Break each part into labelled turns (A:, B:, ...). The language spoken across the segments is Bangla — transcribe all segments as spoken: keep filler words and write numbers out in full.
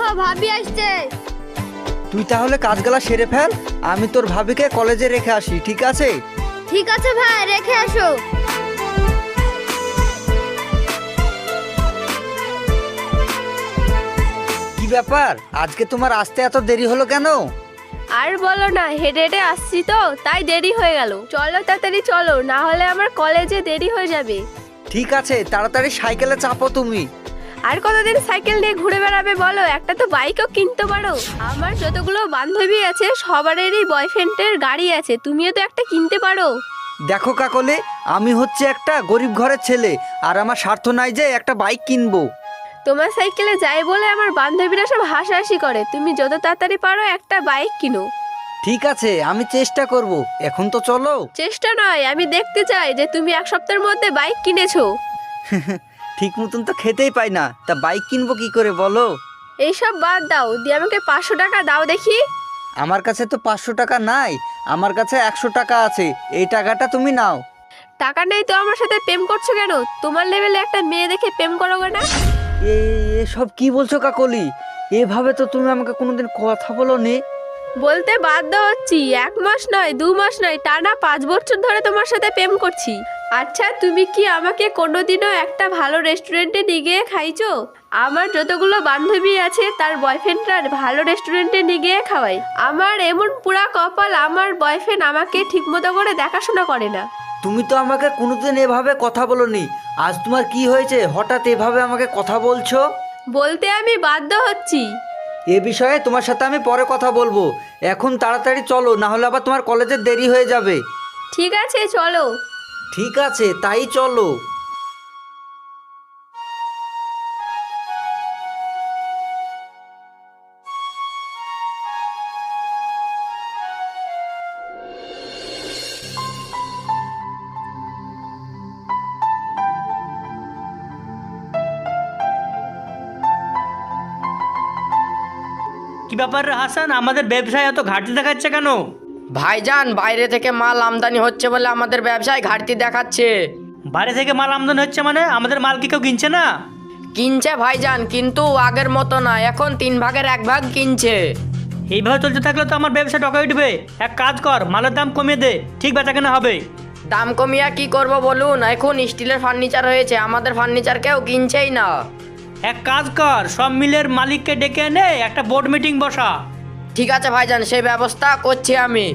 A: ভাবি আসছে।
B: তুই তাহলে কাজগুলা সেরে ফেল, আমি তোর ভাবিকে কলেজে রেখে আসি, ঠিক আছে?
A: ঠিক আছে ভাই, রেখে আসো।
B: কি ব্যাপার, আজকে তোমার আসতে এত দেরি হলো কেন?
C: আর বলো না, হেঁটে হেঁটে আসছি তো তাই দেরি হয়ে গেল। চলো তাড়াতাড়ি চলো, না হলে আমার কলেজে দেরি হয়ে যাবে।
B: ঠিক আছে, তাড়াতাড়ি সাইকেলে চাপো তুমি।
C: আর কতদিন সাইকেল নিয়ে ঘুরে বেড়াবে বলো? একটা তো বাইকও কিনতে পারো। আমার যতগুলো বান্ধবী আছে সবারই বয়ফ্রেন্ডের গাড়ি আছে, তুমিও তো একটা কিনতে পারো।
B: দেখো কাকলে, আমি হচ্ছে একটা গরিব ঘরের ছেলে, আর আমার স্বার্থ নাই যে একটা বাইক কিনবো।
C: তোমার সাইকেলে যাই বলে আমার বান্ধবীরা সব হাসাহাসি করে, তুমি যত তাড়াতাড়ি পারো একটা বাইক কিনো।
B: ঠিক আছে, আমি চেষ্টা করব, এখন তো চলো।
C: চেষ্টা নয়, আমি দেখতে চাই যে তুমি এক সপ্তাহের মধ্যে বাইক কিনেছো।
B: ঠিক মতন তো খেতেই পাই না, তা বাইক কিনবো কি করে বলো?
C: এইসব বাদ দাও, দিয়ে আমাকে পাঁচশো টাকা দাও দেখি।
B: আমার কাছে তো পাঁচশো টাকা নাই, আমার কাছে একশো টাকা আছে, এই টাকাটা তুমি নাও।
C: টাকা নেই তো আমার সাথে প্রেম করছো কেন? তোমার লেভেলে একটা মেয়ে দেখে প্রেম করো না?
B: এ সব কি বলছো কাকলি? এভাবে তো তুমি আমাকে কোনোদিন কথা বলোনি।
C: বলতে বাধ্য হচ্ছি, এক মাস নয়, দু মাস নয়, টানা পাঁচ বছর ধরে তোমার সাথে প্রেম করছি। আচ্ছা, তুমি কি আমাকে কোনোদিনও একটা ভালো রেস্টুরেন্টে নিয়ে গিয়ে খাইছো? আমার যতগুলো বান্ধবী আছে তার বয়ফ্রেন্ডরা ভালো রেস্টুরেন্টে নিয়ে গিয়ে খাওয়াই। আমার এমন পুরা কপাল, আমার বয়ফ্রেন্ড আমাকে ঠিকমতো করে দেখাশোনা করে না।
B: তুমি তো আমাকে কোনোদিন এভাবে কথা বলোনি, আজ তোমার কি হয়েছে হঠাৎ এভাবে আমাকে কথা বলছো?
C: বলতে আমি বাধ্য হচ্ছি।
B: এ বিষয়ে তোমার সাথে আমি পরে কথা বলবো, এখন তাড়াতাড়ি চলো, না হলে আবার তোমার কলেজে দেরি হয়ে যাবে।
C: ঠিক আছে চলো।
B: ঠিক আছে, তাই চলো।
D: কি ব্যাপার রে হাসান, আমাদের ব্যবসায় এত ঘাটতি দেখাচ্ছে কেন?
E: ভাইজান, বাইরে থেকে মাল আমদানি হচ্ছে বলে আমাদের ব্যবসায় ঘাটতি দেখাচ্ছে।
D: বাইরে থেকে মাল আমদানি হচ্ছে মানে আমাদের মাল কি কেউ কিনছে না?
E: কিনছে ভাইজান, কিন্তু আগের মতো না, এখন তিন ভাগের এক ভাগ কিনছে।
D: এইভাবে চলতে থাকলে তো আমার ব্যবসা টকা উঠবে। এক কাজ কর, মালের দাম কমিয়ে দে, ঠিক বেচা কেনা হবে।
E: দাম কমিয়া কি করব বলুন? এখন স্টিলের ফার্নিচার হয়েছে, আমাদের ফার্নিচার কেউ কিনছেই না।
D: এক কাজ কর, সব মিলের মালিককে ডেকে এনে একটা বোর্ড মিটিং বসা।
E: ঠিক আছে ভাইজান, সেই ব্যবস্থা করছি আমি।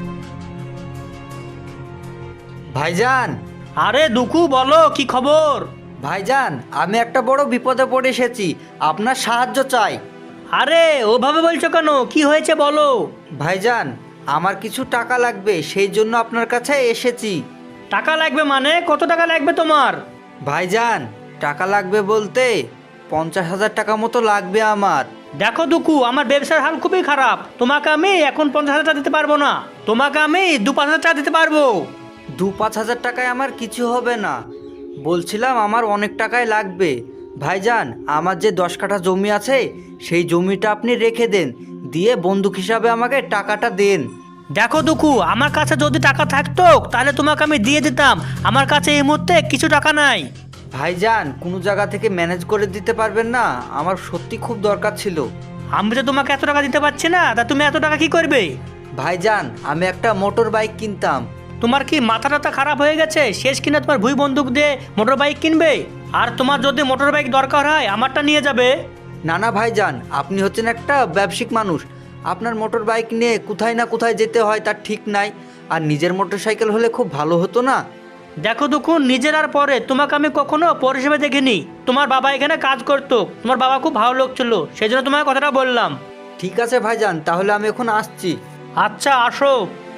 B: ভাইজান।
D: আরে দুকু, বলো কি খবর?
B: ভাইজান, আমি একটা বড় বিপদে পড়ে এসেছি, আপনার সাহায্য চাই।
D: আরে ওভাবে বলছো কেন, কি হয়েছে বলো?
B: ভাইজান, আমার কিছু টাকা লাগবে, সেই জন্য আপনার কাছে এসেছি।
D: টাকা লাগবে মানে? কত টাকা লাগবে তোমার?
B: ভাইজান, টাকা লাগবে বলতে পঞ্চাশ হাজার টাকা মতো লাগবে আমার।
D: দেখো দুকু, আমার ব্যবসার হাল খুবই খারাপ, তোমাকে আমি এখন পঞ্চাশ হাজার টাকা দিতে পারবো না, তোমাকে আমি দু পাঁচ হাজার টাকা দিতে পারবো।
B: দু পাঁচ হাজার টাকায় আমার কিছু হবে না, বলছিলাম আমার অনেক টাকাই লাগবে। ভাইজান, আমার যে দশ কাঠা জমি আছে সেই জমিটা আপনি রেখে দেন, দিয়ে বন্দুক হিসাবে আমাকে টাকাটা দেন।
D: দেখো দুকু, আমার কাছে যদি টাকা থাকতো তাহলে তোমাকে আমি দিয়ে দিতাম, আমার কাছে এই মুহূর্তে কিছু টাকা নাই।
B: ভাইজান, কোনো জায়গা থেকে ম্যানেজ করে দিতে পারবেন না? আমার সত্যি খুব দরকার ছিল।
D: আমি তো তোমাকে এত টাকা দিতে পারছি না, তা তুমি এত টাকা কি করবে?
B: ভাইজান, আমি একটা মোটর বাইক কিনতাম।
D: তোমার কি মাথা টাথা খারাপ হয়ে গেছে? শেষ কিনা তোমার ভুই বন্দুক দিয়ে মোটর বাইক কিনবে? আর তোমার যদি মোটর বাইক দরকার হয় আমারটা নিয়ে যাবে।
B: না না ভাইজান, আপনি হচ্ছেন একটা ব্যবসায়িক মানুষ, আপনার মোটর বাইক নিয়ে কোথায় না কোথায় যেতে হয় তার ঠিক নাই, আর নিজের মোটর সাইকেল হলে খুব ভালো হতো না?
D: দেখো দুকু, নিজের আর পরে তোমাকে আমি কখনো পর হিসেবে দেখিনি। তোমার বাবা এখানে কাজ করতো, তোমার বাবা খুব ভালো লোক ছিল, সেই জন্য তোমাকে কথাটা বললাম।
B: ঠিক আছে ভাইজান, তাহলে আমি এখন আসছি।
D: আচ্ছা, আসো।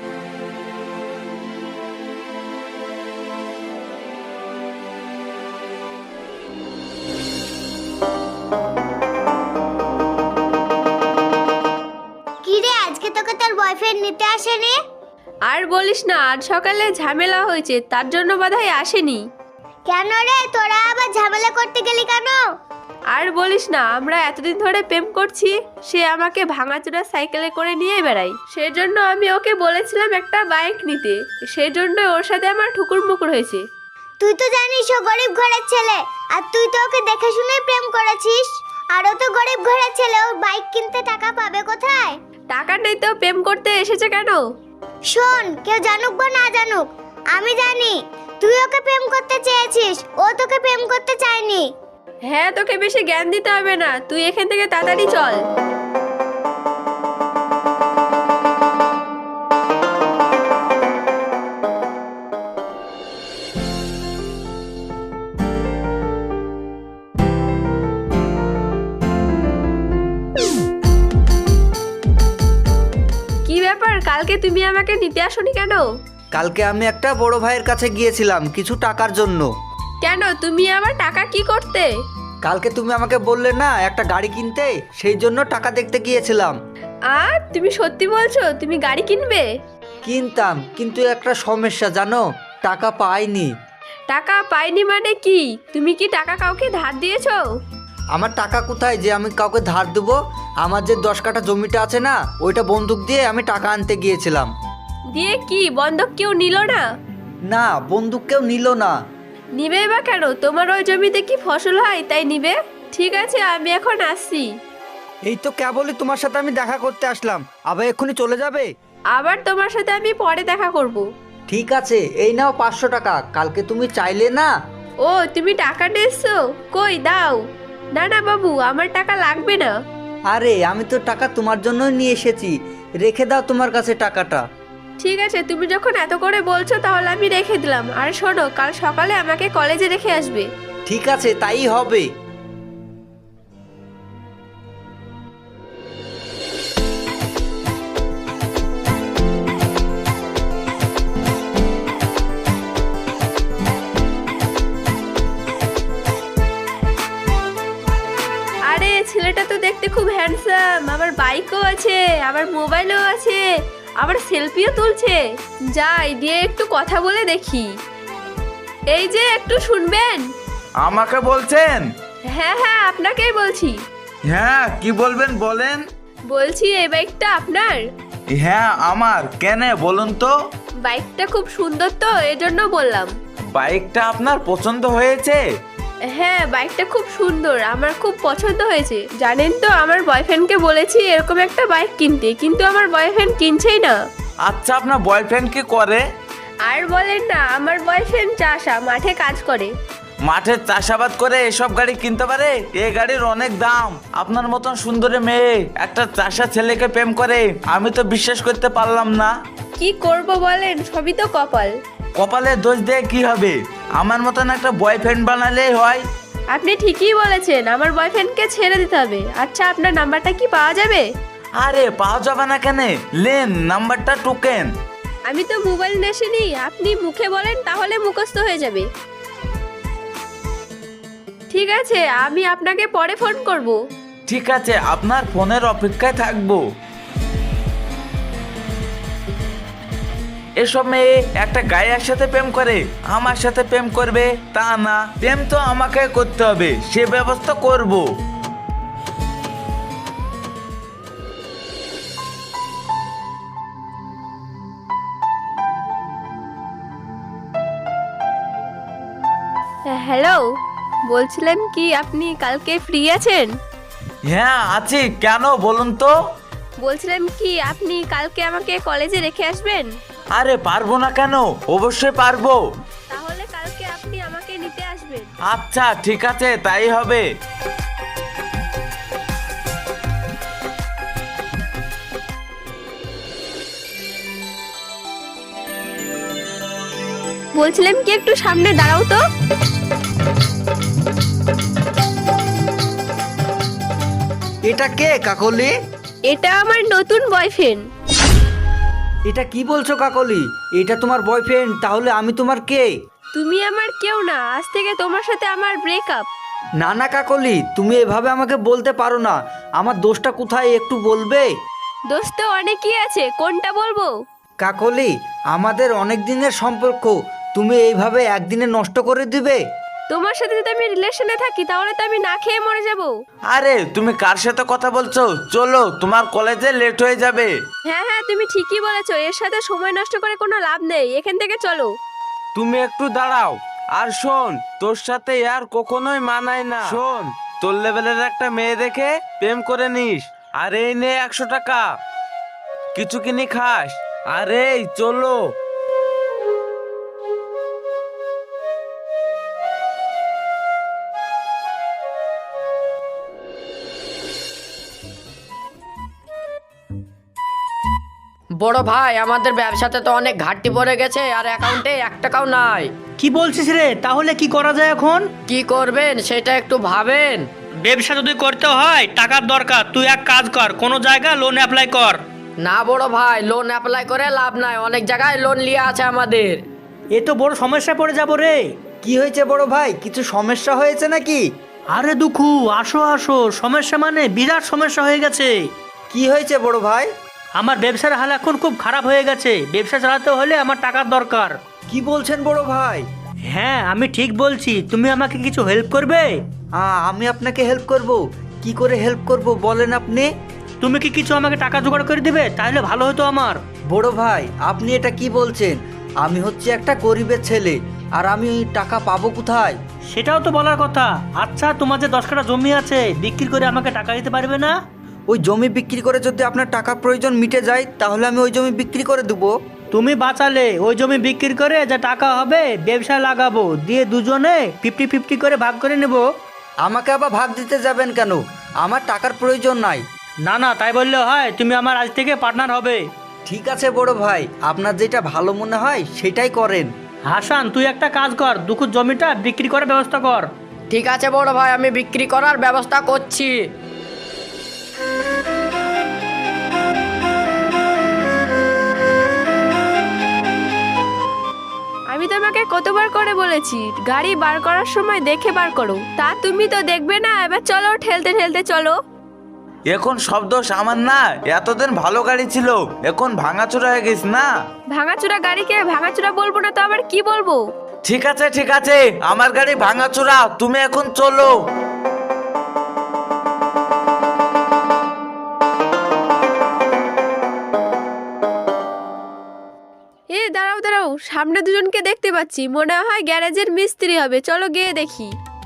A: কি রে, আজকে তোকে তোর বয়ফ্রেন্ড নিতে আসেনি?
C: আর বলিস না, আজ সকালে ঝামেলা হয়েছে, তার জন্য বোধহয় আসেনি।
A: কেন রে, তোরা আবার ঝামেলা করতে গেলি কেন?
C: আর বলিস না, আমরা এতদিন ধরে প্রেম করছি, সে আমাকে ভাঙাচোরা সাইকেলে করে নিয়ে বেড়াই, সেজন্য আমি ওকে বলেছিলাম একটা বাইক নিতে, সেজন্য ওর সাথে আমার ঠুকুর মুকুর হয়েছে।
A: তুই তো জানিস ও গরিব ঘরের ছেলে, আর তুই তো ওকে দেখে শুনে প্রেম করেছিস। আরো তো গরিব ঘরের ছেলে, ও বাইক কিনতে টাকা পাবে কোথায়?
C: টাকা নেই তো প্রেম করতে এসেছে কেন?
A: শোন, কেউ জানুক বা না জানুক, আমি জানি তুই ওকে প্রেম করতে চেয়েছিস, ও তোকে প্রেম করতে চায়নি।
C: হ্যাঁ, তোকে বেশি জ্ঞান দিতে হবে না, তুই এখান থেকে তাড়াতাড়ি চল। কি ব্যাপার, কালকে তুমি আমাকে নিতে আসোনি কেন?
B: কালকে আমি একটা বড় ভাইয়ের কাছে গিয়েছিলাম কিছু টাকার জন্য।
C: কেন, তুমি আবার টাকা কি করতে?
B: কালকে তুমি আমাকে বললে না একটা গাড়ি কিনতে, সেই জন্য টাকা দেখতে গিয়েছিলাম।
C: আর তুমি সত্যি বলছো তুমি গাড়ি কিনবে?
B: কিনতাম, কিন্তু একটা সমস্যা জানো, টাকা পাইনি।
C: টাকা পাইনি মানে কি? তুমি কি টাকা কাউকে ধার দিয়েছো?
B: আমার টাকা কোথায় যে আমি কাউকে ধার দেবো? আমার যে দশ কাঠা জমিটা আছে না, ওইটা বন্দুক দিয়ে আমি টাকা আনতে গিয়েছিলাম।
C: দিয়ে কি বন্ধক কেউ নিল না?
B: না, বন্দুক কেউ নিল না।
C: নিবে বা কেন? তোমার ওই জমিতে কি ফসল হয় তাই নিবে? ঠিক আছে, আমি এখন আসছি।
B: এই তো কেবলই তোমার সাথে আমি দেখা করতে আসলাম, আবার এক্ষুনি চলে যাবে?
C: আবার তোমার সাথে আমি পরে দেখা করব।
B: ঠিক আছে, এই নাও পাঁচশো টাকা, কালকে তুমি চাইলে না।
C: ও, তুমি টাকা নিয়েছো? কই দাও। না না বাবু, আমার টাকা লাগবে না।
B: আরে আমি তো টাকা তোমার জন্যই নিয়ে এসেছি, রেখে দাও তোমার কাছে টাকাটা।
C: ঠিক আছে, তুমি যখন এত করে বলছো তাহলে আমি রেখে দিলাম। আর শোনো, কাল সকালে আমাকে কলেজে রেখে আসবে।
B: ঠিক আছে, তাই হবে।
C: আরে ছেলেটা তো দেখতে খুব হ্যান্ডসাম, আবার বাইকও আছে, আবার মোবাইলও আছে, আবার সেলফিও তুলছে। যাই দিয়ে একটু কথা বলে দেখি। এই যে একটু শুনবেন?
F: আমাকে বলছেন?
C: হ্যাঁ হ্যাঁ, আপনাকেই বলছি।
F: হ্যাঁ, কি বলবেন বলেন।
C: বলছি এই বাইকটা আপনার?
F: হ্যাঁ আমার, কেন বলুন তো।
C: বাইকটা খুব সুন্দর তো, এজন্য বললাম।
F: বাইকটা আপনার পছন্দ হয়েছে?
C: হ্যাঁ, বাইকটা খুব সুন্দর, আমার খুব পছন্দ হয়েছে। জানেন তো, আমার বয়ফ্রেন্ডকে বলেছি এরকম একটা বাইক কিনতে, কিন্তু আমার বয়ফ্রেন্ড কিনছেই না।
F: আচ্ছা, আপনার বয়ফ্রেন্ড কি করে?
C: আর বলেন না, আমার বয়ফ্রেন্ড চাষা, মাঠে কাজ করে।
F: মাঠে চাষাবাদ করে এসব গাড়ি কিনতে পারে? এই গাড়ির অনেক দাম। আপনার মতন সুন্দরী মেয়ে একটা চাষা ছেলেকে প্রেম করে, আমি তো বিশ্বাস করতে পারলাম না।
C: কি করব বলেন, সবই তো কপাল।
F: কপালে দোষ দিয়ে কি হবে? আমার মতন একটা বয়ফ্রেন্ড বানালেই হয়।
C: আপনি ঠিকই বলেছেন, আমার বয়ফ্রেন্ডকে ছেড়ে দিতে হবে। আচ্ছা, আপনার নাম্বারটা কি পাওয়া যাবে?
F: আরে পাওয়া যাবে না কেন, লেন নাম্বারটা টুকেন।
C: আমি তো মোবাইল নেশিনি, আপনি মুখে বলেন তাহলে মুখস্থ হয়ে যাবে। ঠিক আছে, আমি আপনাকে পরে ফোন করব।
F: ঠিক আছে, আপনার ফোনের অপেক্ষায় থাকবো। এসব মেয়ে একটা গায়ের সাথে প্রেম করে, আমার সাথে প্রেম করবে তা না, প্রেম তো আমাকে করতে হবে, সে ব্যবস্থা করব।
C: হ্যালো, বলছিলাম কি আপনি কালকে ফ্রি আছেন?
F: হ্যাঁ আছি, কেন বলুন তো।
C: বলছিলাম কি আপনি কালকে আমাকে কলেজে রেখে আসবেন?
F: আরে পারবো না কেন, অবশ্যই পারবো।
C: তাহলে কালকে আপনি আমাকে নিতে আসবেন।
F: আচ্ছা ঠিক আছে, তাই হবে।
C: বলছিলাম কি একটু সামনে দাঁড়াও তো।
B: এটা কে কাকলি?
C: এটা আমার নতুন বয়ফ্রেন্ড।
B: এটা কি বলছো কাকলি? এটা তোমার বয়ফ্রেন্ড? তাহলে আমি তোমার কে?
C: তুমি আমার কেউ না, আজ থেকে তোমার সাথে আমার ব্রেকআপ।
B: না না কাকলি, তুমি এভাবে আমাকে বলতে পারো না। আমার দোষটা কোথায় একটু বলবে?
C: দোষ তো অনেকই আছে, কোনটা বলবো?
B: কাকলি, আমাদের অনেক দিনের সম্পর্ক তুমি এইভাবে একদিনে নষ্ট করে দিবে?
C: তোমার সাথে যদি আমি রিলেশনে থাকি তাহলে তো আমি না খেয়ে মরে যাব।
F: আরে তুমি কার সাথে কথা বলছো? চলো, তোমার কলেজে লেট হয়ে যাবে।
C: হ্যাঁ হ্যাঁ, তুমি ঠিকই বলেছো, এর সাথে সময় নষ্ট করে কোনো লাভ নেই, এখান থেকে চলো।
F: তুমি একটু দাঁড়াও। আর শোন, তোর সাথে আর কখনোই মানায় না। শোন, তোর লেভেলের একটা মেয়ে দেখে প্রেম করে নিস। আর এই নে একশো টাকা, কিছু কিনে খাস। আর এই চলো।
E: বড় ভাই, আমাদের ব্যবসাতে তো অনেক ঘাটতি পড়ে গেছে, আর অ্যাকাউন্টে এক টাকাও নাই।
D: কি বলছিস রে? তাহলে কি করা যায় এখন?
E: কি করবেন সেটা একটু ভাবেন।
D: ব্যবসা যদি করতে হয় টাকার দরকার, তুই এক কাজ কর, কোনো জায়গায় লোন অ্যাপ্লাই কর।
E: না বড় ভাই, লোন অ্যাপ্লাই করে লাভ নাই, অনেক জায়গায় লোন লিয়ে আছে আমাদের।
D: এ তো বড় সমস্যা পড়ে যাবো রে।
B: কি হয়েছে বড় ভাই, কিছু সমস্যা হয়েছে নাকি?
D: আরে দুঃখু, আসো আসো। সমস্যা মানে বিরাট সমস্যা হয়ে গেছে।
B: কি হয়েছে বড় ভাই?
D: আমার ব্যবসার হাল এখন খুব খারাপ হয়ে গেছে। ব্যবসা চালাতে হলে আমার টাকার দরকার।
B: কি বলছেন বড় ভাই?
D: হ্যাঁ, আমি ঠিক বলছি। তুমি আমাকে কিছু হেল্প করবে?
B: আ, আমি আপনাকে হেল্প করব। কি করে হেল্প করব বলেন আপনি?
D: তুমি কি কিছু আমাকে টাকা জোগাড় করে দিবে? তাহলে ভালো হতো আমার।
B: বড় ভাই, আপনি এটা কি বলছেন? আমি হচ্ছে একটা গরিবের ছেলে, আর আমি ওই টাকা পাবো কোথায়?
D: সেটাও তো বলার কথা। আচ্ছা, তোমার যে দশ কাঠা জমি আছে, বিক্রি করে আমাকে টাকা দিতে পারবে না?
B: ওই জমি বিক্রি করে যদি আপনার টাকার প্রয়োজন মিটে যায়, তাহলে আমি ওই জমি বিক্রি করে দেবো।
D: তুমি বাঁচালে ওই জমি বিক্রি করে যা টাকা হবে ব্যবসায় লাগাবো, দিয়ে দুজনে ফিফটি ফিফটি করে ভাগ করে নেব।
B: আমাকে আবার ভাগ দিতে যাবেন কেন? আমার টাকার প্রয়োজন নাই।
D: না না, তাই বললে হয়? তুমি আমার আজ থেকে পার্টনার হবে।
B: ঠিক আছে বড় ভাই, আপনার যেটা ভালো মনে হয় সেটাই করেন।
D: হাসান, তুই একটা কাজ কর, দুঃখুর জমিটা বিক্রি করার ব্যবস্থা কর।
E: ঠিক আছে বড় ভাই, আমি বিক্রি করার ব্যবস্থা করছি।
C: আমি তোমাকে কতবার করে বলেছি গাড়ি বার করার সময় দেখে বার করো, তা তুমি তো দেখবে না। এবার চলো, ঠেলতে ঠেলতে চলো।
F: এখন সব দোষ আমার না, এতদিন ভালো গাড়ি ছিল, এখন ভাঙাচোরা হয়ে গেছে না।
C: ভাঙাচোরা গাড়িকে ভাঙাচোরা বলবো না তো আবার কি বলবো?
F: ঠিক আছে ঠিক আছে, আমার গাড়ি ভাঙাচোরা, তুমি এখন চলো।
C: এ দাঁড়াও দাঁড়াও, সামনে দুজনকে দেখতে পাচ্ছি, মনে হয় গ্যারেজের মিস্ত্রি হবে। চলো গিয়ে দেখি।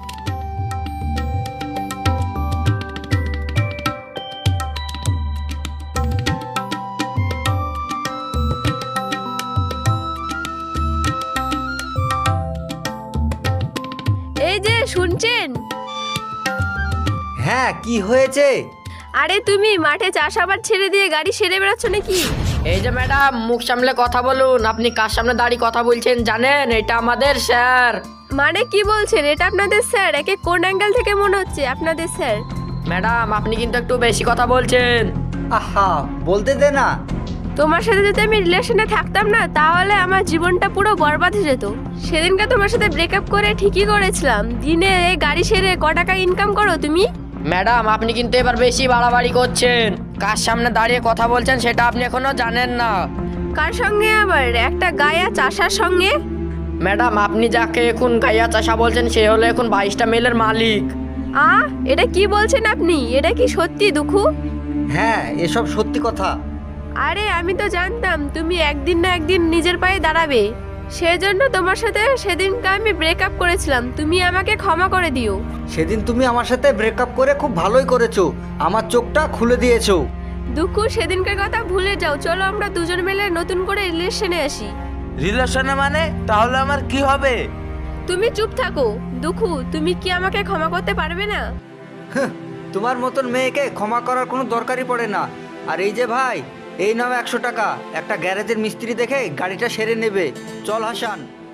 C: এই যে শুনছেন?
B: হ্যাঁ, কি হয়েছে?
C: আরে তুমি মাঠে চাষাবাদ ছেড়ে দিয়ে গাড়ি সেরে বেড়াচ্ছ নাকি?
E: এই যে ম্যাডাম, মুখ সামলে কথা বলুন। আপনি কার সামনে দাঁড়িয়ে কথা বলছেন জানেন? এটা আমাদের স্যার।
C: মানে কি বলছেন? এটা আপনাদের স্যার? একে কোন অ্যাঙ্গেল থেকে মনে হচ্ছে আপনাদের স্যার?
E: ম্যাডাম, আপনি কিন্তু একটু বেশি কথা বলছেন।
B: আহা, বলতে দে না।
C: তোমার সাথে যদি আমি রিলেশনে থাকতাম না, তাহলে আমার জীবনটা পুরো বরবাদ হয়ে যেত। সেদিনকে তোমার সাথে ব্রেকআপ করে ঠিকই করেছিলাম। দিনে এই গাড়ি সেরে ক টাকা ইনকাম করো তুমি?
E: ম্যাডাম, আপনি কিন্তু এবার বেশি বাড়াবাড়ি করছেন। কার সামনে দাঁড়িয়ে কথা বলছেন সেটা আপনি এখনো জানেন না।
C: কার সঙ্গে আবার? একটা গায়া চাষার সঙ্গে?
E: ম্যাডাম, আপনি যাকে এখন গাইয়া চাষা বলছেন সে হলো এখন বাইশটা মেলের মালিক।
C: আ এটা কি বলছেন আপনি? এটা কি সত্যি দুঃখু?
B: হ্যাঁ, এসব সত্যি কথা।
C: আরে আমি তো জানতাম তুমি একদিন না একদিন নিজের পায়ে দাঁড়াবে। সেজন্য তোমার সাথে সেদিনকে আমি ব্রেকআপ করেছিলাম। তুমি আমাকে ক্ষমা করে দিও।
B: সেদিন তুমি আমার সাথে ব্রেকআপ করে খুব ভালোই করেছো, আমার চোখটা খুলে দিয়েছো।
C: দুঃখু, সেদিনকার কথা ভুলে যাও। চলো আমরা দুজন মিলে নতুন করে রিলেশনে আসি।
F: রিলেশনে মানে? তাহলে আমার কি হবে?
C: তুমি চুপ থাকো। দুঃখু, তুমি কি আমাকে ক্ষমা করতে পারবে না?
B: হাহ, তোমার মতন মেয়েকে ক্ষমা করার কোনো দরকারই পড়ে না। আর এই যে ভাই, এই নাও একশো টাকা, একটা গ্যারেজের মিস্ত্রি দেখে গাড়িটা সেরে নেবে। চল হাসান।